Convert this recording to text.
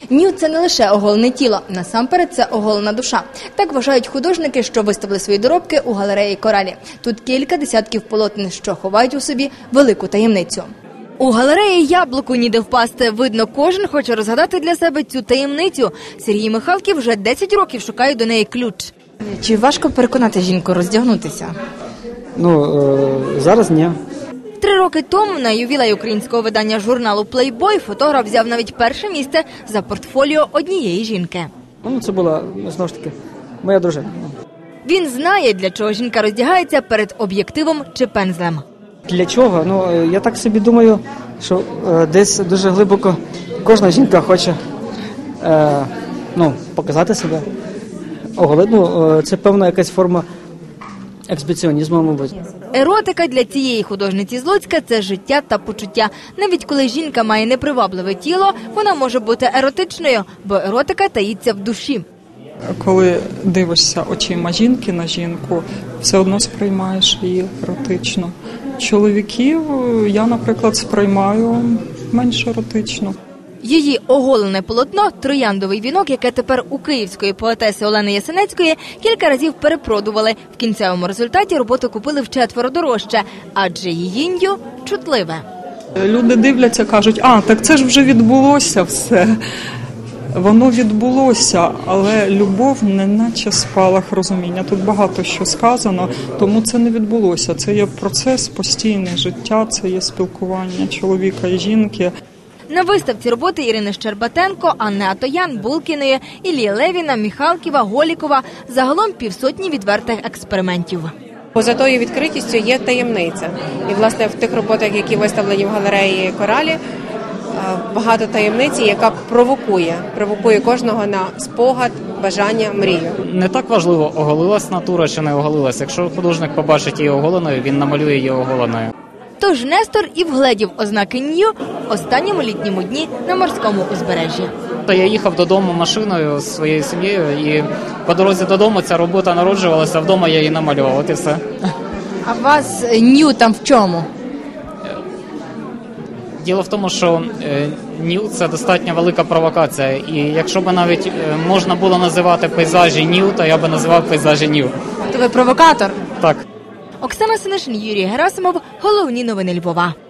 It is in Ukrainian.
Нюд – це не лише оголене тіло, насамперед це оголена душа. Так вважають художники, що виставили свої доробки у галереї «Коралі». Тут кілька десятків полотен, що ховають у собі велику таємницю. У галереї «Яблуку ніде впасти». Видно, кожен хоче розгадати для себе цю таємницю. Сергій Михалків вже 10 років шукає до неї ключ. Чи важко переконати жінку роздягнутися? Зараз ні. 3 роки тому на ювілей українського видання журналу «Плейбой» фотограф взяв навіть перше місце за портфоліо однієї жінки. Це була, знову ж таки, моя дружина. Він знає, для чого жінка роздягається перед об'єктивом чи пензлем. Для чого? Я так собі думаю, що десь дуже глибоко кожна жінка хоче показати себе. Це певна якась форма експресіонізму, мабуть. Еротика для цієї художниці з Луцька – це життя та почуття. Навіть коли жінка має непривабливе тіло, вона може бути еротичною, бо еротика таїться в душі. Коли дивишся очима жінки на жінку, все одно сприймаєш її еротично. Чоловіків я, наприклад, сприймаю менш еротично. Її оголене полотно «Трояндовий вінок», яке тепер у київської поетеси Олени Ясенецької, кілька разів перепродували. В кінцевому результаті роботу купили вчетверо дорожче, адже її нью чутливе. Люди дивляться, кажуть, так це ж вже відбулося все. Воно відбулося, але любов не наче спалах розуміння. Тут багато що сказано, тому це не відбулося. Це є процес, постійне життя, це є спілкування чоловіка і жінки. На виставці роботи Ірини Щербатенко, Анни Атоян, Булкіної, Іллі Левіна, Міхалківа, Голікова. Загалом 500 відвертих експериментів. Поза тою відкритістю є таємниця. І, власне, в тих роботах, які виставлені в галереї «Коралі», багато таємниці, яка провокує кожного на спогад, бажання, мрію. Не так важливо, оголилась натура чи не оголилась. Якщо художник побачить її оголеною, він намалює її оголеною. Тож Нестор і вгледів ознаки нью останньому літньому дні на морському узбережжі. Я їхав додому машиною з своєю сім'єю, і по дорозі додому ця робота народжувалася, а вдома я її намалював, от і все. А у вас нью там в чому? Діло в тому, що нью – це достатньо велика провокація, і якщо б навіть можна було називати пейзажі нью, то я б називав пейзажі нью. То ви провокатор? Так. Оксана Синишин, Юрій Герасимов. Головні новини Львова.